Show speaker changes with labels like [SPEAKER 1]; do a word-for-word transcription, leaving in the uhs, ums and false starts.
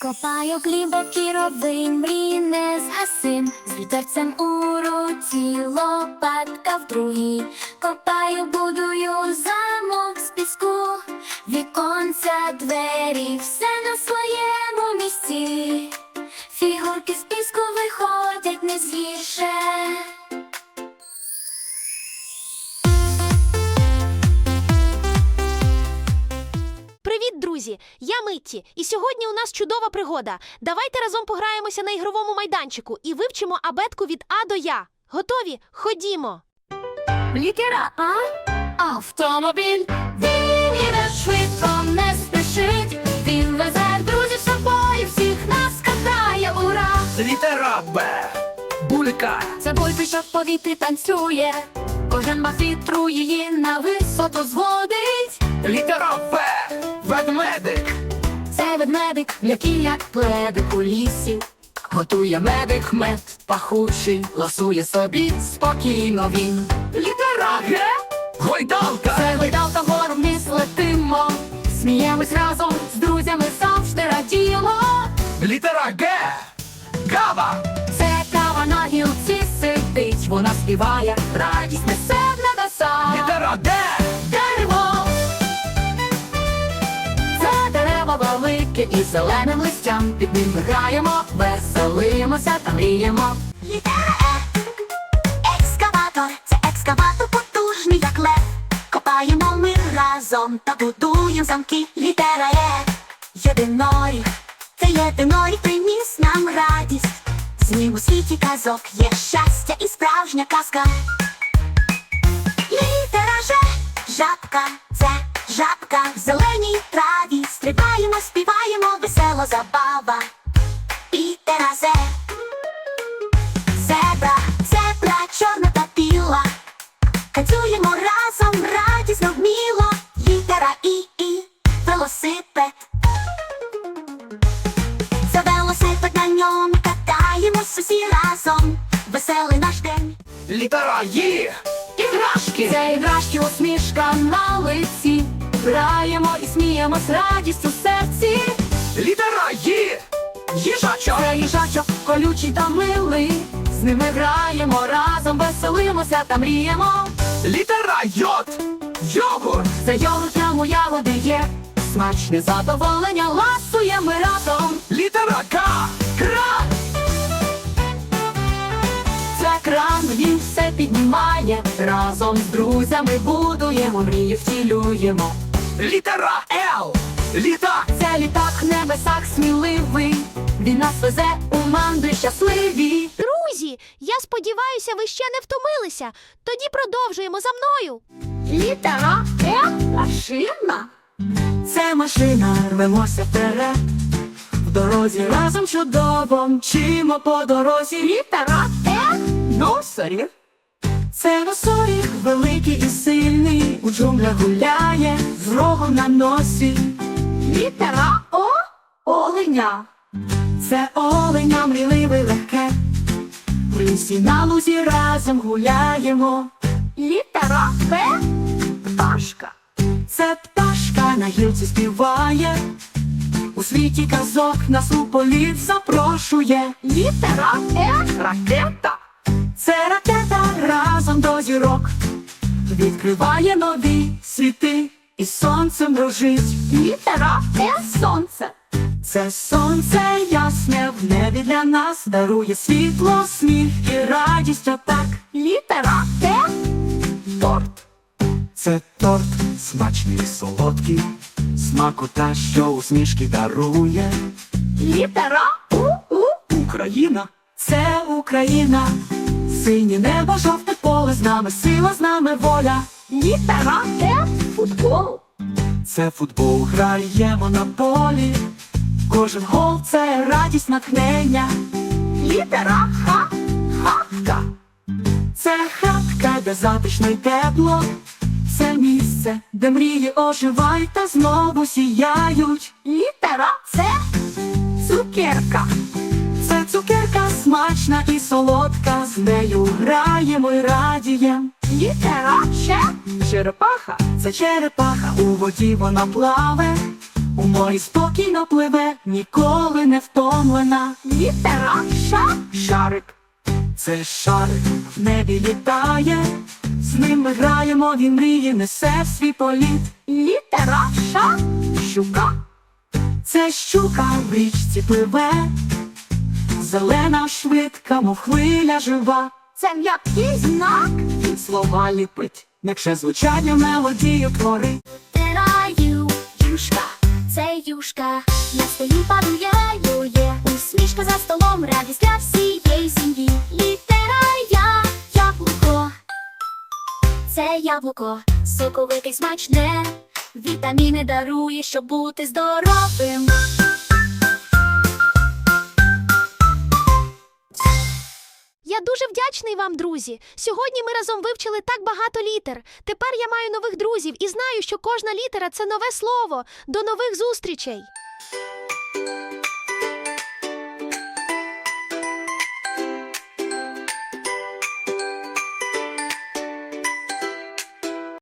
[SPEAKER 1] Копаю глибокий ровень, мрій не згасим, з вітерцем у руці, лопатка в другій. Копаю, будую замок з піску, віконця, двері, все на своєму місці. Фігурки з піску виходять не згірше.
[SPEAKER 2] Привіт, друзі! Я Митті, і сьогодні у нас чудова пригода. Давайте разом пограємося на ігровому майданчику і вивчимо абетку від А до Я. Готові? Ходімо!
[SPEAKER 1] Літера А. Автомобіль. Він іде швидко, не спішить. Він везе друзів з собою, всіх нас катає, ура!
[SPEAKER 3] Літера Б. Булька.
[SPEAKER 1] Це бульби, що в повітрі танцює. Кожен мах вітру її на висоту зводить.
[SPEAKER 3] Літера В. Ведмедик.
[SPEAKER 1] Це ведмедик, м'який як пледик у лісі. Готує медик мед пахучий, ласує собі спокійно він.
[SPEAKER 3] Літера Г. Гойдалка.
[SPEAKER 1] Це гойдалка, вгору вниз летимо. Сміємось разом з друзями, завжди радіємо.
[SPEAKER 3] Літера Г. Кава.
[SPEAKER 1] Це кава на гілці сидить, вона співає, радість несе в небеса.
[SPEAKER 3] Літера Д.
[SPEAKER 1] Дерево. Це дерево велике і зеленим листям. Під ним ми граємо, веселимося та мріємо.
[SPEAKER 4] Літера Е. Екскаватор. Це екскаватор потужний, як лев. Копаємо ми разом та будуємо замки. Літера Е. Єдиноріг. Це єдиноріг приніс нам радість. З ним у світі казок є щастя і справжня казка. Літера Ж. Жабка. Це жабка в зеленій траві. Стрибаємо, співаємо, весела забава. Літера З. Зебра. Зебра чорна та біла. Танцюємо разом, радісно, вміло. Літера І. І. Велосипед. За велосипед, на ньому катаємось усі разом. Веселий наш день.
[SPEAKER 3] Літера Ї. Іграшки.
[SPEAKER 1] Це іграшки, усмішка на лиці. Граємо і сміємось, радість у серці.
[SPEAKER 3] Літера Ї. Їжачок.
[SPEAKER 1] Це їжачок, колючий та милий. З ними граємо разом, веселимося та мріємо.
[SPEAKER 3] Літера Йод. Йогурт.
[SPEAKER 1] Це йогурт, ньому ягоди є. Смачне задоволення, ласуємо ми разом.
[SPEAKER 3] Літера К. Кран.
[SPEAKER 1] Це кран, він все піднімає. Разом з друзями будуємо, мрії втілюємо.
[SPEAKER 3] Літера Л. Літак.
[SPEAKER 1] Це літак в небесах сміливий. Він нас везе у мандри щасливі.
[SPEAKER 2] Друзі, я сподіваюся, ви ще не втомилися. Тоді продовжуємо за мною.
[SPEAKER 1] Літера Е. Машина. Це машина, рвемося вперед. В дорозі разом чудово мчимо по дорозі. Літера Е.
[SPEAKER 3] Носоріг.
[SPEAKER 1] Це носоріг, великий і сильний. У джунглях гуляє з рогом на носі. Літера О. Оленя. Це оленя, мрійливе, легке. В лісі на лузі разом гуляємо. Літера П. Пташка. Це пташка на гілці співає. У світі казок нас у політ запрошує. Літера Е.
[SPEAKER 3] Ракета.
[SPEAKER 1] Це ракета разом до зірок. Відкриває нові світи і сонцем дружить. Літера Е. Сонце. Це сонце ясне в небі для нас. Дарує світло, сміх і радість отак. Літера Т.
[SPEAKER 3] Торт. Це торт смачний і солодкий. Смакота, що усмішки дарує.
[SPEAKER 1] Літера У. У.
[SPEAKER 3] Україна.
[SPEAKER 1] Це Україна. Синє небо, жовте поле, з нами сила, з нами воля. Літера Т. Футбол.
[SPEAKER 3] Це футбол.
[SPEAKER 1] Граємо на полі. Кожен гол – це радість, натхнення. Літера Х. Хатка. Це хатка, де затишно й тепло. Це місце, де мрії оживають та знову сіяють. Літера С. Цукерка. Це цукерка смачна і солодка. З нею граємо й радієм. Літера Ч. Черепаха. Це черепаха, у воді вона плаве. У морі спокійно пливе, ніколи не втомлена. Літера Ш.
[SPEAKER 3] Шарик, це шарик.
[SPEAKER 1] В небі літає, з ним ми граємо, він мріє, несе в свій політ. Літера Ш.
[SPEAKER 3] Щука,
[SPEAKER 1] Це щука в річці пливе, зелена, швидка, мов хвиля жива. Це м'який знак,
[SPEAKER 3] він слова ліпить, м'якше звучання
[SPEAKER 1] мелодію творить.
[SPEAKER 4] Літераю, юшка, це юшка, на столі падує, ює, усмішка за столом, радість для всієї сім'ї. Літера я, яблуко, це яблуко, соковите й смачне, вітаміни дарує, щоб бути здоровим.
[SPEAKER 2] Я дуже вдячний вам, друзі. Сьогодні ми разом вивчили так багато літер. Тепер я маю нових друзів і знаю, що кожна літера – це нове слово. До нових зустрічей!